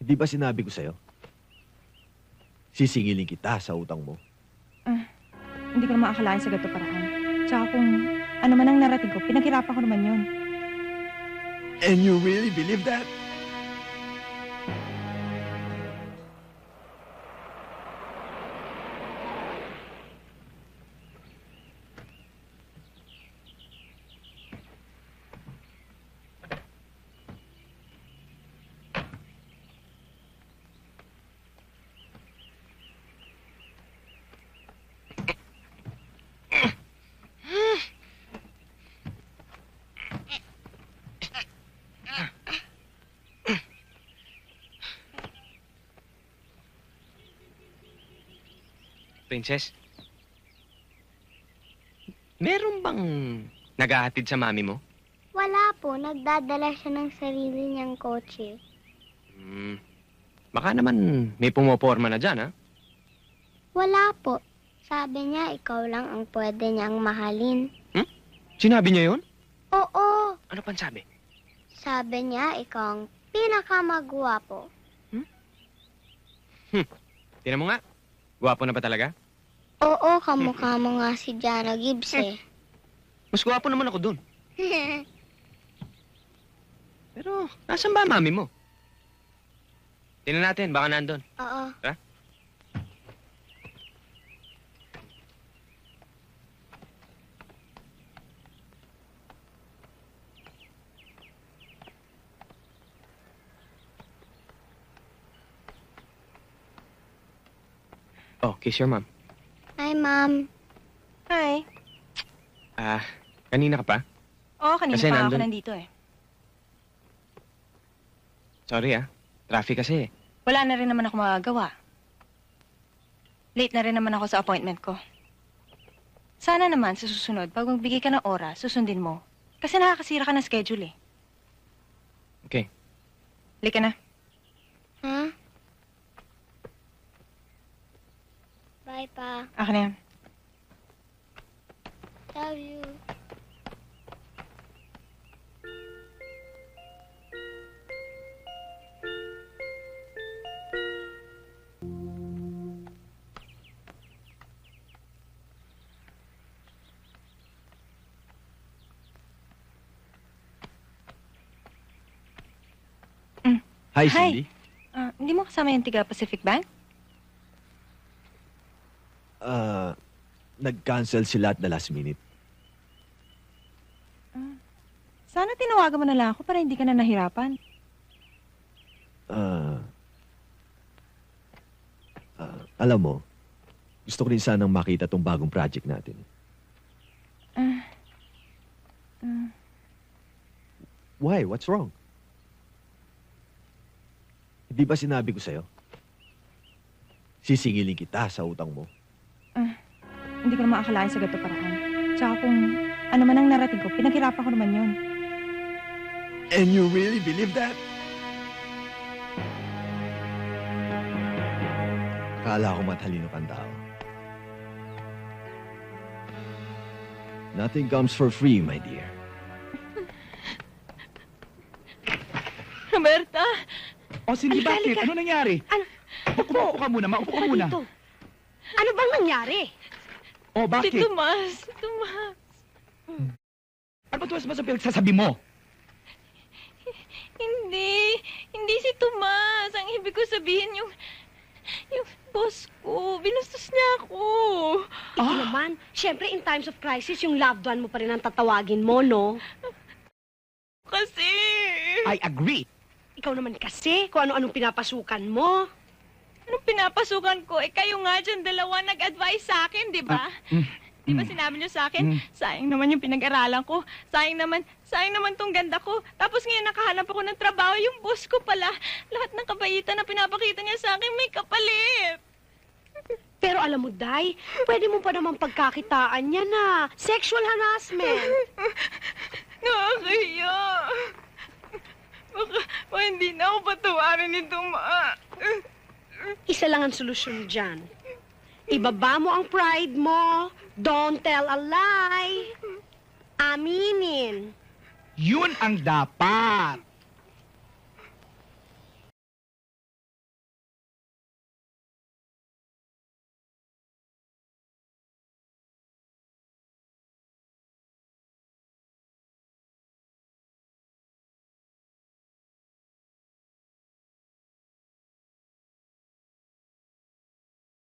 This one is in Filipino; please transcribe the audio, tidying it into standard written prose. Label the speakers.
Speaker 1: Di ba sinabi ko sa'yo? Sisingilin kita sa utang mo.
Speaker 2: Hindi ko naman akalain sa ganito paraan. Tsaka kung ano man ang narating ko, pinaghirapan ko naman yun.
Speaker 1: And you really believe that?
Speaker 3: Princess, meron bang naghahatid sa mami mo?
Speaker 4: Wala po. Nagdadala siya ng sarili niyang kotse.
Speaker 3: Baka naman may pumoporma na dyan, ha?
Speaker 4: Wala po. Sabi niya, ikaw lang ang pwede niyang mahalin.
Speaker 3: Sinabi niya yun?
Speaker 4: Oo.
Speaker 3: Ano pang sabi?
Speaker 4: Sabi niya, ikaw ang pinakamagwapo.
Speaker 3: Tingnan mo nga. Gwapo na ba talaga?
Speaker 4: Oo, kamukha mo nga si Jana Gibbs eh.
Speaker 3: Mas gwapo naman ako dun. Pero, nasan ba ang mami mo? Tingnan natin, baka nandun.
Speaker 4: Oo.
Speaker 3: Ha? Oh, kiss your mom.
Speaker 4: Hi, Mom.
Speaker 2: Hi.
Speaker 3: Kanina ka pa?
Speaker 2: Oo, kanina
Speaker 3: Kasi
Speaker 2: pa ako
Speaker 3: nandun-
Speaker 2: nandito eh.
Speaker 3: Sorry, Traffic kasi.
Speaker 2: Wala na rin naman ako magagawa. Late na rin naman ako sa appointment ko. Sana naman sa susunod, pag magbigay ka ng oras, susundin mo. Kasi nakakasira ka ng schedule eh.
Speaker 3: Okay.
Speaker 2: Halika na.
Speaker 4: Ha? Bye, Pa.
Speaker 2: Akin na yan.
Speaker 4: Love you.
Speaker 1: Hi,
Speaker 2: Hi.
Speaker 1: Cindy.
Speaker 2: Hindi mo kasama yung tiga Pacific Bank?
Speaker 1: Nag-cancel sila at the last minute.
Speaker 2: Sana tinawagan mo na lang ako para hindi ka na nahirapan.
Speaker 1: Alam mo, gusto ko rin sanang makita tong bagong project natin. Why? What's wrong? Hindi ba sinabi ko sa'yo? Sisingilin kita sa utang mo.
Speaker 2: Hindi ko naman akalain sa ganito paraan. Tsaka kung ano man ang narating ko, pinaghirapan ko naman yun.
Speaker 1: And you really believe that? Akala ko matalino kang tao. Nothing comes for free, my dear.
Speaker 2: Roberta!
Speaker 5: O, Cindy,
Speaker 6: Halika,
Speaker 5: bakit?
Speaker 6: halika.
Speaker 5: Ano nangyari?
Speaker 6: Ano?
Speaker 5: Maupo ka muna, maupo ka muna.
Speaker 6: Dito. Ano bang nangyari?
Speaker 5: O, bakit?
Speaker 2: Si Tomas! Tomas!
Speaker 5: Ano ba tuwas ba sa pinagsasabi mo?
Speaker 2: Hindi si Tomas. Ang ibig ko sabihin yung boss ko. Binastos niya ako.
Speaker 6: Ito naman, syempre in times of crisis, yung loved one mo pa rin ang tatawagin mo, no?
Speaker 2: Kasi...
Speaker 5: I agree.
Speaker 6: Ikaw naman kasi, kung ano-anong pinapasukan mo.
Speaker 2: Anong pinapasukan ko? Kayo nga dyan, dalawa nag-advise sa akin, di ba? Di ba sinabi niyo sa akin, sayang naman yung pinag-aralan ko. Sayang naman tong ganda ko. Tapos ngayon nakahanap ako ng trabaho, yung boss ko pala. Lahat ng kabaitan na pinapakita niya sa akin, may kapalit.
Speaker 6: Pero alam mo, Day, pwede mo pa naman pagkakitaan niya na. Sexual harassment.
Speaker 2: Nakakahiya. Baka hindi na ako patawarin ni Tuma.
Speaker 6: Isa lang ang solusyon dyan. Ibaba mo ang pride mo. Don't tell a lie. Aminin.
Speaker 5: Yun ang dapat.